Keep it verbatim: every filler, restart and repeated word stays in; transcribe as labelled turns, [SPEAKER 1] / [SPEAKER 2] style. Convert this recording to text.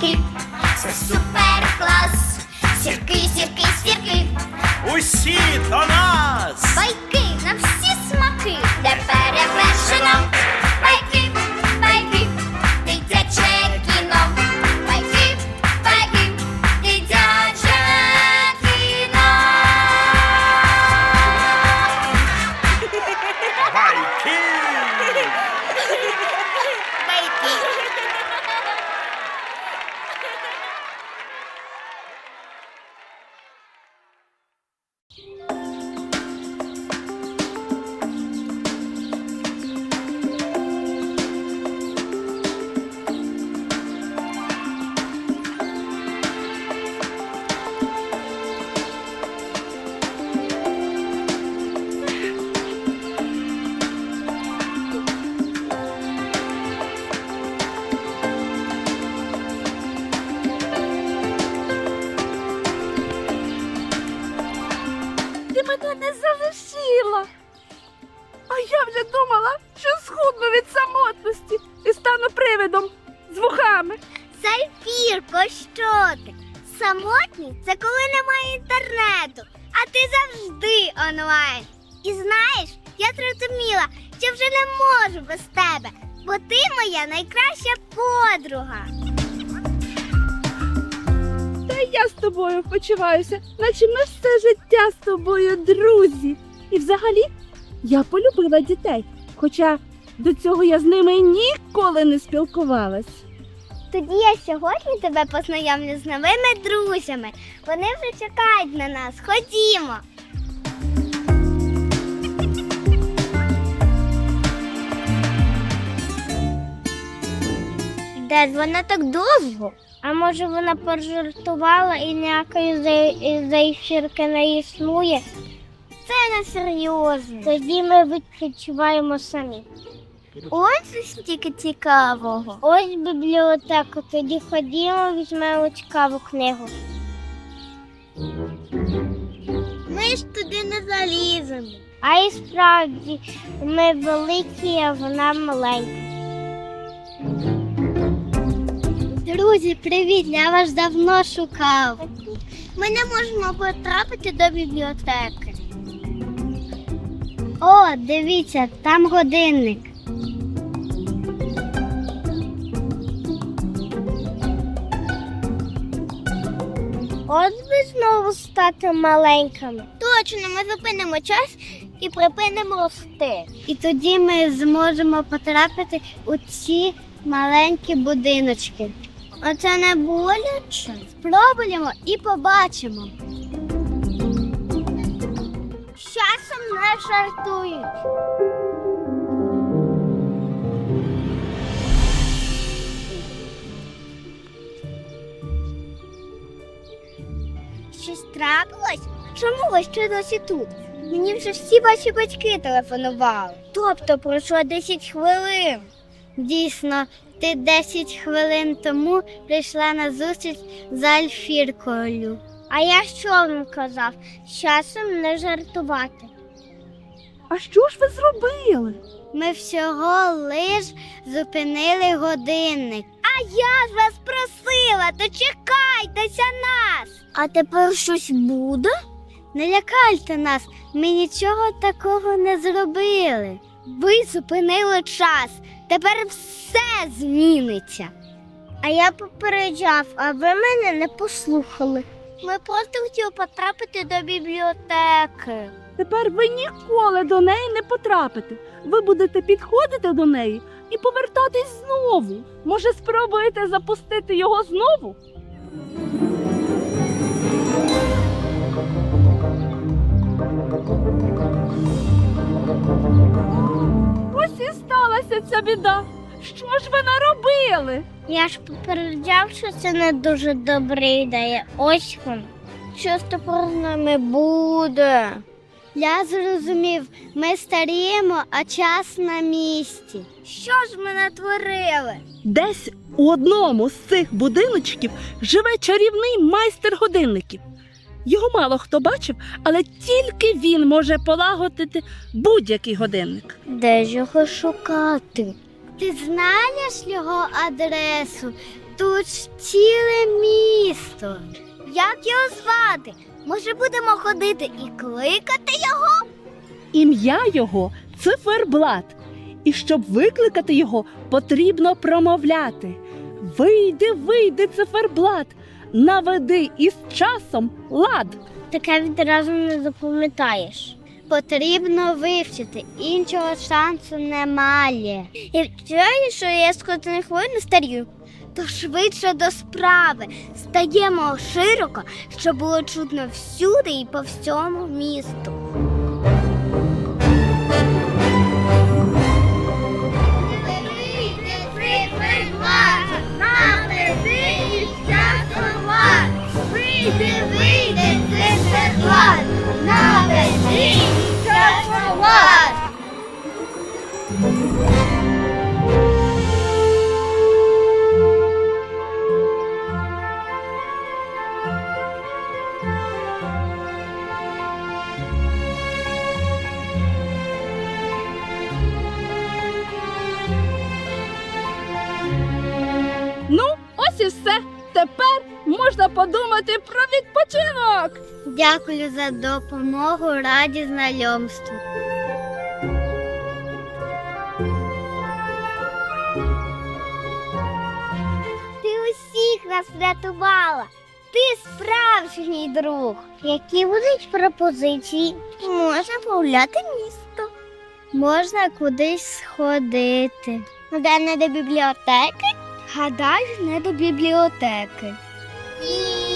[SPEAKER 1] сірки, це супер клас. Сірки, сірки, сірки,
[SPEAKER 2] Усі до нас!
[SPEAKER 1] байки на всі смаки, де перевершено. Байки, байки, дитяче кіно. Байки, байки, дитяче кіно.
[SPEAKER 2] Байки!
[SPEAKER 3] Ти мене не залишила. А я вже думала, що схудну від самотності і стану привидом з вухами.
[SPEAKER 1] Зайфірко, що ти? Самотність – це коли немає інтернету, а ти завжди онлайн. І знаєш, я зрозуміла, що вже не можу без тебе, бо ти моя найкраща подруга.
[SPEAKER 3] Та я з тобою почуваюся, наче ми все життя з тобою друзі. І взагалі, я полюбила дітей, хоча до цього я з ними ніколи не спілкувалась.
[SPEAKER 1] Тоді я сьогодні тебе познайомлю з новими друзями. Вони вже чекають на нас. Ходімо. Де ж вона так довго? А може вона пожартувала і ніякої зайфірки не існує? Це не серйозно. Тоді ми відпочиваємо самі. Ось стільки цікавого. Ось бібліотека. Тоді ходімо, візьмемо цікаву книгу. Ми ж туди не заліземо. А і справді, ми великі, а вона маленька. Друзі, привіт! Я вас давно шукав. Ми не можемо потрапити до бібліотеки. О, дивіться, там годинник. От би знову стати маленькими. Точно, ми зупинимо час і припинимо рости. І тоді ми зможемо потрапити у ці маленькі будиночки. Оце не боляче? Спробуємо і побачимо. З часом не жартують. Щось трапилось? Чому ви ще досі тут? Мені вже всі ваші батьки телефонували. Тобто пройшло десять хвилин. Дійсно, ти десять хвилин тому прийшла на зустріч з Альфіркою. А я що вам казав? З часом не жартувати.
[SPEAKER 3] А що ж ви зробили?
[SPEAKER 1] Ми всього лиш зупинили годинник. А я ж вас просила, то чекайтеся нас. А тепер щось буде? Не лякайте нас, ми нічого такого не зробили. Ви зупинили час, тепер все зміниться. А я попереджав, а ви мене не послухали. Ми просто хотіли потрапити до бібліотеки.
[SPEAKER 3] Тепер ви ніколи до неї не потрапите. Ви будете підходити до неї і повертатись знову. Може, спробуєте запустити його знову? Ось і сталася ця біда. Що ж ви наробили?
[SPEAKER 1] Я ж попереджав, що це не дуже добра ідея. Ось він. Що тепер з нами буде? Я зрозумів, ми старіємо, а час на місці. Що ж ми натворили?
[SPEAKER 3] Десь у одному з цих будиночків живе чарівний майстер годинників. Його мало хто бачив, але тільки він може полагодити будь-який годинник.
[SPEAKER 1] Де ж його шукати? Ти знаєш його адресу? тут ж ціле місто. Як його звати? Може, будемо ходити і кликати його?
[SPEAKER 3] Ім'я його циферблат. І щоб викликати його, потрібно промовляти: вийди, вийди, циферблат, наведи із часом лад.
[SPEAKER 1] Таке відразу не запам'ятаєш. Потрібно вивчити, іншого шансу немає. І вчора, що я скоро не хвилю не старію, то швидше до справи. Стаємо широко, щоб було чутно всюди і по всьому місту. Вийди, вийди, циферблат, наведи час лад.
[SPEAKER 3] Ну, ось і все. Тепер можна подумати про відпочинок.
[SPEAKER 1] Дякую за допомогу, раді знайомству. Ти усіх нас врятувала. Ти справжній друг. Які будуть пропозиції? Можна погуляти місто. Можна кудись сходити. Де не до бібліотеки? Гадаю, не до бібліотеки. Ні.